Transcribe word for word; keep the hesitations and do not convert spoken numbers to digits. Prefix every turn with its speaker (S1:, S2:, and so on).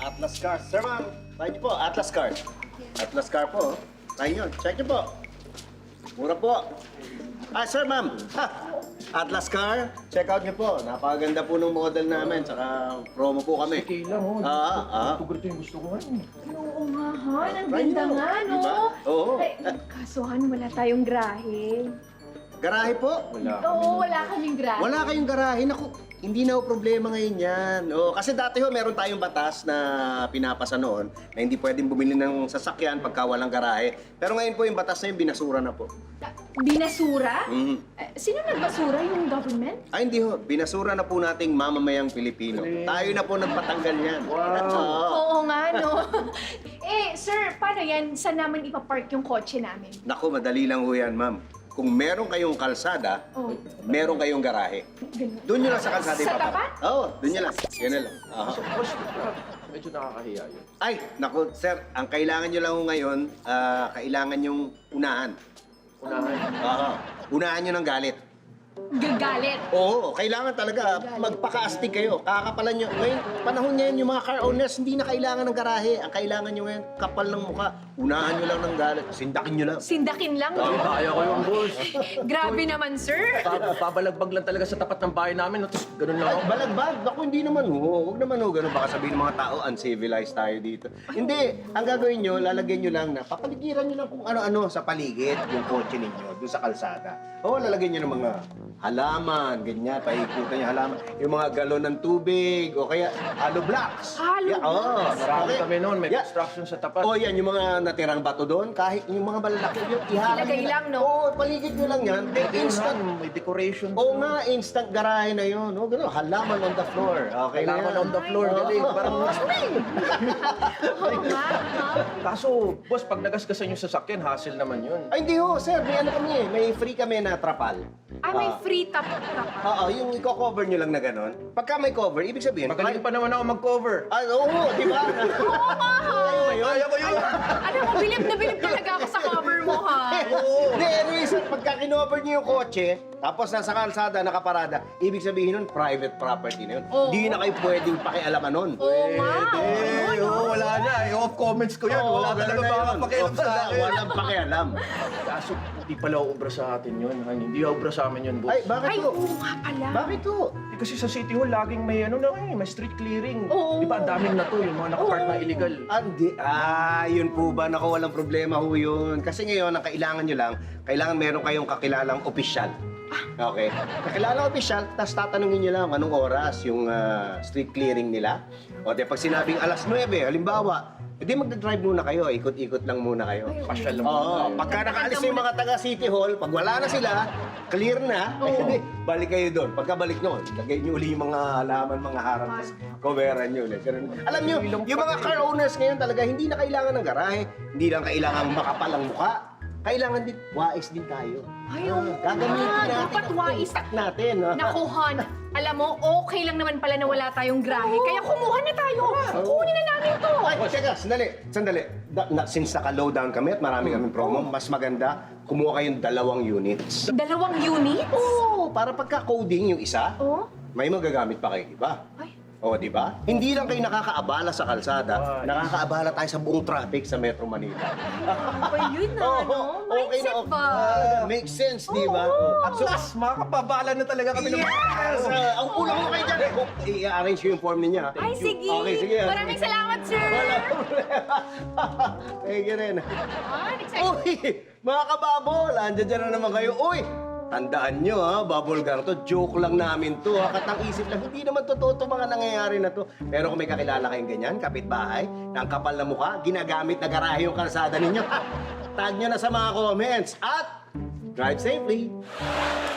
S1: Atlas Car. Sir, ma'am, tayo niyo po, Atlas Car. Atlas Car po. Tayo niyo, check niyo po. Mura po. Ah, sir, ma'am. Ha, Atlas Car, check out niyo po. Napakaganda po ng model namin, tsaka promo po kami.
S2: Okay lang, oh.
S1: Ah, ah.
S2: Ito ganito yung gusto ko. Ano?
S3: Oo nga, Han. Ang
S1: Right
S3: ganda
S1: now,
S3: nga, no?
S1: diba? Oo.
S3: Ay, kaso, Han, wala tayong grahe.
S1: Garahe po?
S2: Wala.
S3: Oo, wala kaming grahe.
S1: Wala kayong garahe. Naku, hindi na ho problema ngayon yan. O, kasi dati ho, meron tayong batas na pinapasa noon na hindi pwedeng bumili ng sasakyan pagka walang garahe. Pero ngayon po yung batas na yun, binasura na po.
S3: Ah, Binasura?
S1: Mhm.
S3: Eh, sino nagbasura? Yung government?
S1: Ay, hindi ho. Binasura na po nating mamamayang Pilipino.
S2: Galing.
S1: Tayo na po nagpatanggal yan.
S2: Wow.
S1: Oo.
S3: Oo nga, no? eh, sir, paano yan? Saan naman ipapark yung kotse namin?
S1: Naku, madali lang ho yan, ma'am. Kung meron kayong kalsada,
S3: Oh.
S1: meron kayong garahe.
S3: Ganun.
S1: Doon nyo lang sa kalsada
S3: Sa
S1: ipapark.
S3: tapat?
S1: Oo, doon nyo lang. Yan na lang. Aha.
S2: So, boss, medyo nakakahiya yun.
S1: Ay, naku, sir, ang kailangan nyo lang ho ngayon, ah, kailangan yung unahan.
S2: Unahan.
S1: Oo. Unahan nyo ng galit.
S3: Gagalit.
S1: Oo, kailangan talaga magpaka-astig kayo. Kakakapalan nyo. Ngayon, panahon ngayon yung mga car owners, hindi na kailangan ng garahe. Ang kailangan nyo ngayon, kapal ng mukha. Unahan nyo lang ng galit. Sindakin nyo lang.
S3: Sindakin lang,
S2: Ay,
S3: no?
S2: kaya ko yung boss.
S3: Grabe naman, sir.
S2: Bab- Babalagbag lang talaga sa tapat ng bahay namin. No? Tapos ganun lang
S1: Ay,
S2: ako.
S1: balagbag. Naku, hindi naman ho. Huwag naman ho. Ganun baka sabihin ng mga tao, uncivilized tayo dito. Hindi. Ang gagawin nyo, lalagyan nyo lang na, papaligiran nyo lang kung ano-ano sa paligid yung kotse ninyo, doon sa kalsada. Oo, lalagyan nyo ng mga halaman, ganyan, paikutan yung halaman. Yung mga galon ng tubig, o kaya hollow blocks.
S3: Hollow
S1: Yeah, oo.
S2: Marami
S1: Okay.
S2: kami noon. May
S1: Yeah.
S2: construction sa tapat.
S1: O yan, yung mga natirang bato doon, kahit yung mga malalaki, yung iharap
S3: Ilagay
S1: nyo
S3: lang, no?
S1: Oo, paligid nyo lang yan. Then
S2: May
S1: instant.
S2: unahan, May decoration.
S1: Oo nga, instant garahe na yun. O, gano'n, halaman on the floor. Okay na
S2: Kailangan
S1: yan.
S2: on the floor.
S1: Oo.
S2: Galing. Parang
S3: Oo nga, ha?
S2: Kaso, boss, pag nagasgasan yung sasakyan, hassle naman yun.
S1: Ay, hindi ho, sir. May ano kami eh. May free kami na trapal.
S3: Ah, may free top top.
S1: Oo, yung i-cover nyo lang na gano'n. Pagka may cover, ibig sabihin...
S2: Magaling pa naman ako mag-cover.
S1: Ah, oo, di ba?
S3: Oo nga, ha?
S2: Kaya ko yun.
S3: Alam mo, bilib na bilib talaga ako sa cover mo, ha?
S1: Hindi, anyways, pagka kinover nyo yung kotse, tapos nasa kalsada, nakaparada, ibig sabihin nun, private property na yun.
S3: Oo.
S1: Hindi na kayo pwedeng pakialaman nun.
S3: Oo nga.
S2: Eh, oo, wala na. I-off comments ko yan.
S1: Oo,
S2: Wala talaga
S1: ganun na
S2: baka
S1: yun.
S2: pakialam sa
S1: Wala-
S2: akin.
S1: Walang pakialam.
S2: Kaso, hindi pala ubra sa atin yun. Han. Hindi ubra sa amin yun, boss.
S1: Ay, bakit
S3: Ay,
S1: to?
S3: oo nga pala.
S1: Bakit to?
S2: Eh, kasi sa City Hall, laging may ano na eh, may street clearing.
S3: Oo.
S2: Di ba, ang daming na to, yung mga nakapark na illegal.
S1: Andi, ah, yun po ba? Naku, walang problema ho yun. Kasi ngayon, ang kailangan nyo lang, kailangan meron kayong kakilalang opisyal. Okay? Kakilalang opisyal, tapos tatanungin nyo lang anong oras yung ah, street clearing nila. O, di pag sinabing alas nuwebe, halimbawa, hindi magdadrive muna kayo, ikot-ikot lang muna kayo.
S2: Pasyal lang
S1: Oo,
S2: muna tayo.
S1: pagka nakaalis na yung mga taga City Hall, pag wala na sila, clear na, eh, balik kayo doon. Pagkabalik nyo, lagay nyo uli yung mga halaman, mga harang, tapos coveran nyo ulit. Ganun. Alam nyo, yung mga car owners ngayon talaga, hindi na kailangan ng garahe, hindi lang kailangan makapal ang mukha. Kailangan din, wais din tayo.
S3: Ay, oo
S1: Ah, gagamitin
S3: nga.
S1: natin
S3: Dapat
S1: ang
S3: wais.
S1: utak natin. ah.
S3: Naku, Han, alam mo, okay lang naman pala na wala tayong grahe. Kaya kumuha na tayo. Kunin na namin to.
S1: Ay, teka, sandali, sandali. Da, na, since naka-low down kami at marami kaming promo, mas maganda, kumuha kayong dalawang units.
S3: Dalawang units?
S1: Oo, para pagka-coding yung isa,
S3: Oh?
S1: may magagamit pa kayo iba.
S3: Ay.
S1: O, di ba? Hindi lang kayo nakakaabala sa kalsada,
S2: Ay.
S1: nakakaabala tayo sa buong traffic sa Metro Manila.
S3: Ano ba yun, na,
S1: Oo,
S3: no?
S1: okay na,
S3: Mindset
S1: okay.
S3: ba?
S1: Ah, makes sense, di ba?
S2: At so, mas makakapabala na talaga kami ng
S1: Yes! Uh, ang kulang mo kayo dyan. Eh, kung i-arrange ko yung form niya.
S3: Ay, sige.
S1: Okay, sige.
S3: Maraming salamat, sir.
S1: Wala problema. Thank you rin.
S3: Ah, excited.
S1: Uy! Mga kababol, andyan dyan na naman kayo. Uy! Tandaan nyo ha, bubble gang to, joke lang namin to ha, katang-isip lang, hindi naman totoo to mga nangyayari na to. Pero kung may kakilala kayong ganyan, kapitbahay, na ang kapal na mukha, ginagamit na garahe yung kalsada ninyo, ha, tag nyo na sa mga comments at drive safely!